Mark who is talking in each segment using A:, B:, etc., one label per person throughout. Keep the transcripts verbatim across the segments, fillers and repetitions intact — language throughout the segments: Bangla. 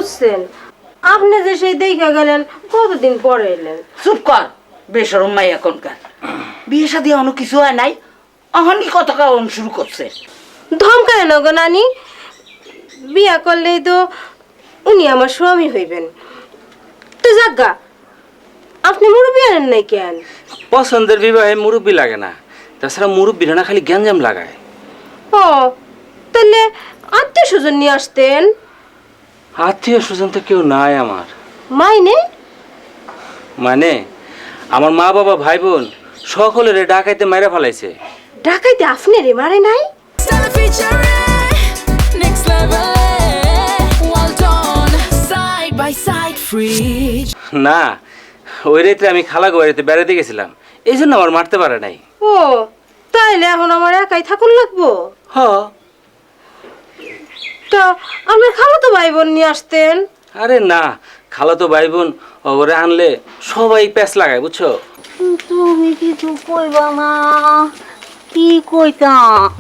A: বুঝছেন? আপনি যে সেই দেখা গেলেন কতদিন পরে এলেন।
B: চুপ কর, বেশরম মাই এখনকার। বিয়ে শাদী অন্য কিছু হয় নাই, অহনই কথা কারণ শুরু করছে।
A: ধমকায় না গো নানি, বিয়া করলেই তো উনি আমার স্বামী হইবেন। তো যাজ্ঞা, আপনি মুরব্বী আনেন নাই কেন?
C: পছন্দের বিবাহে মুরব্বী লাগে না, তাছাড়া মুরব্বীরা না খালি গ্যাঞ্জাম লাগায়।
A: ও তাহলে আত্মীয় স্বজন নিয়ে আসতেন।
C: আত্মীয় স্বজন তো কেউ নাই আমার।
A: মাইনে
C: মানে আমার মা বাবা ভাই বোন সকলের ডাকাইতে মাইরা ফেলাইছে।
A: ঢাকাইতে আপনি রে মারে নাই?
C: না, ওই রাতে আমি খালা গোয়ারিতে বেড়াতে গেছিলাম, এই জন্য আমার মারতে পারে নাই।
A: ও তাইলে এখন আমার একাই থাকুন লাগবো?
C: হ।
A: তা আপনার খালাতো ভাই বোন নিয়ে আসতেন।
C: আরে না, খালাতো ভাই বোন ওরে আনলে সবাই প্যাচ লাগায়, বুঝছো?
B: তুমি কিছু কইবা না, কি কইতা?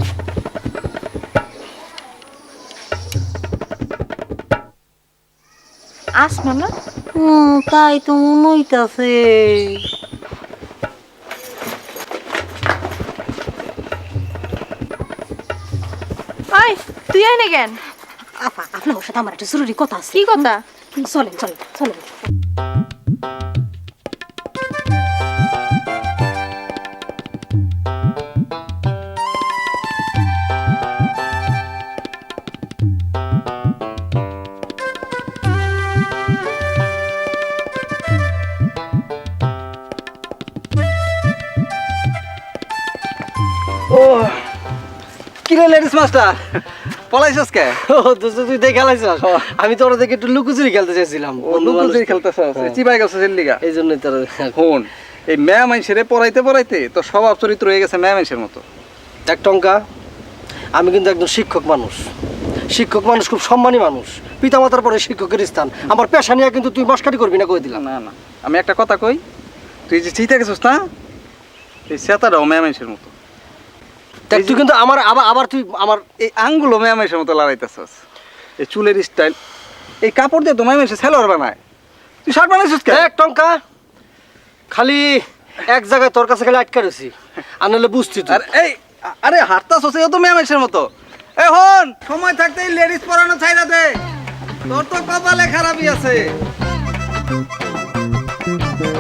D: আসমা না?
B: হুম, তাই তো মনে হইতাছে।
D: আই তুই আয় না কেন?
A: আপা আপনার সাথে আমার একটা জরুরি কথা আছে।
D: কি কথা?
A: চলেন চলেন চলেন।
E: ও কিরে লেডিস মাস্টার, পলাইছস কে?
F: ও তুই তুই দেখে খেলাইছস? আমি তো ওরা দেখে একটু লুকোচুরি খেলতে চাইছিলাম।
E: ও লুকোচুরি খেলতেছস, চিবাই গেছস এর লিগা।
F: এই জন্যই তোর
E: ফোন এই মেয়া মাইনসেরে পড়াইতে পড়াইতে তো স্বভাব চরিত্র হয়ে গেছে মেয়া মাইনসের মতো।
F: এক টঙ্কা, আমি কিন্তু একজন শিক্ষক মানুষ। শিক্ষক মানুষ খুব সম্মানী মানুষ, পিতামাতার পরে শিক্ষকের স্থান। আমার পেশা নিয়ে কিন্তু তুই মস্কারি করবি না, কই দিলাম।
E: না না, আমি একটা কথা কই, তুই যে চিন্তা গেছস না, এই সেতাটাও মেয়া মাইনসের মতো।
F: দেখ তুই কিন্তু আমার আবার আবার তুই আমার
E: এই আঙ্গুলো মেয়া মাইনসের মতো লড়াইতেছস। এই চুলের স্টাইল, এই কাপড় দিয়ে তো মেয়া মাইনসে সেলোয়ার বানায়, তুই শার্ট বানাইছস কে?
F: এক টঙ্কা, খালি এক জায়গায় তোর কাছে খালি আটকা রয়েছি, আর নাহলে বুঝছি তুই।
E: আর এই আরে হাঁটতাছস, এও তো মেয়া মাইনসের মতো। এই হন, সময় থাকতে এই লেডিস পরানো ছাইরা দে, তোর তো কপালে খারাপই আছে।